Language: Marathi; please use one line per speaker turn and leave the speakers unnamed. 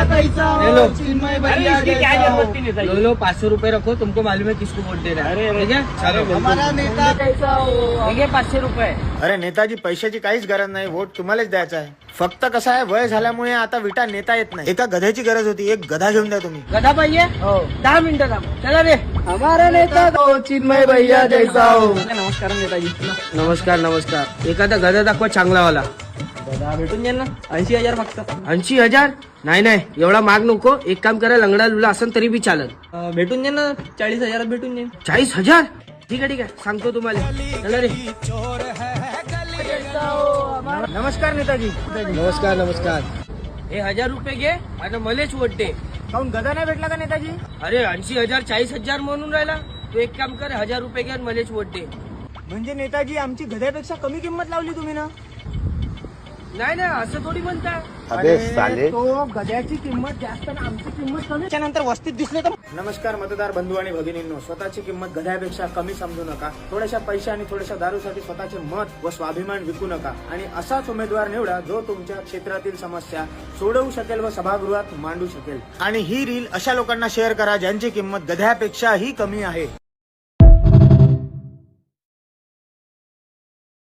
कैसा हो, चिन्मय भैया कैसा हो।
लो लो 500 रुपए रखो, तुमको मालूम है किसको वोट देना है। ठीक है, चलो
हमारा नेता कैसा हो।
ठीक है, 500 रुपए।
अरे नेताजी, पैशाची काहीच गरज नाही, वोट तुम्हालाच द्यायचा आहे. फक्त कसं आहे, वय झाल्यामुळे आता विटा नेता येत नाही. एका गध्याची गरज होती, एक गधा घेऊन द्या तुम्ही.
गधा पाहिजे? 10 मिनिटं थांब. चला रे.
हमारा नेता हो, चिन्मय भैया जैसा हो.
नमस्कार नेताजी. नमस्कार नमस्कार. एखादा गधा दाखवा चांगलावाला. गधा भेटून जाईल ना, 80,000 फक्त. 80,000? नाही नाही, एवढा माग नको. एक काम करा, लंगडा लुला असेल तरी बी चालेल. भेटून जाईल ना, 40,000 भेटून जाईल. 40,000? ठीक आहे ठीक आहे, सांगतो तुम्हाला. चला रे.
नमस्कार नेताजी.
नमस्कार नमस्कार. हे 1000 रुपये घे आणि मलेच वोट दे.
काऊन गधा नाही भेटला का नेताजी?
अरे 80,000 40,000 म्हणून राहिला. तू एक काम कर, 1000 रुपये घे आणि मलेच वोट दे.
म्हणजे नेताजी, आमची गध्यापेक्षा कमी किंमत लावली तुम्ही ना?
नाही ना, असं थोडी म्हणता.
अरे तो गध्याची किंमत जास्त आणि आमची किंमत कमी. त्यानंतर वस्तीत दिसले तर. नमस्कार मतदार बंधू आणि भगिनींनो, स्वतःची किंमत गध्यापेक्षा कमी समजू नका. थोड्याशा पैसे आणि थोड्याशा दारूसाठी स्वतःचे मत व स्वाभिमान विकू नका आणि असाच उमेदवार निवडा जो तुमच्या क्षेत्रातील समस्या सोडवू शकेल व सभागृहात मांडू शकेल. आणि ही रील अशा लोकांना शेअर करा ज्यांची किंमत गध्यापेक्षाही कमी आहे.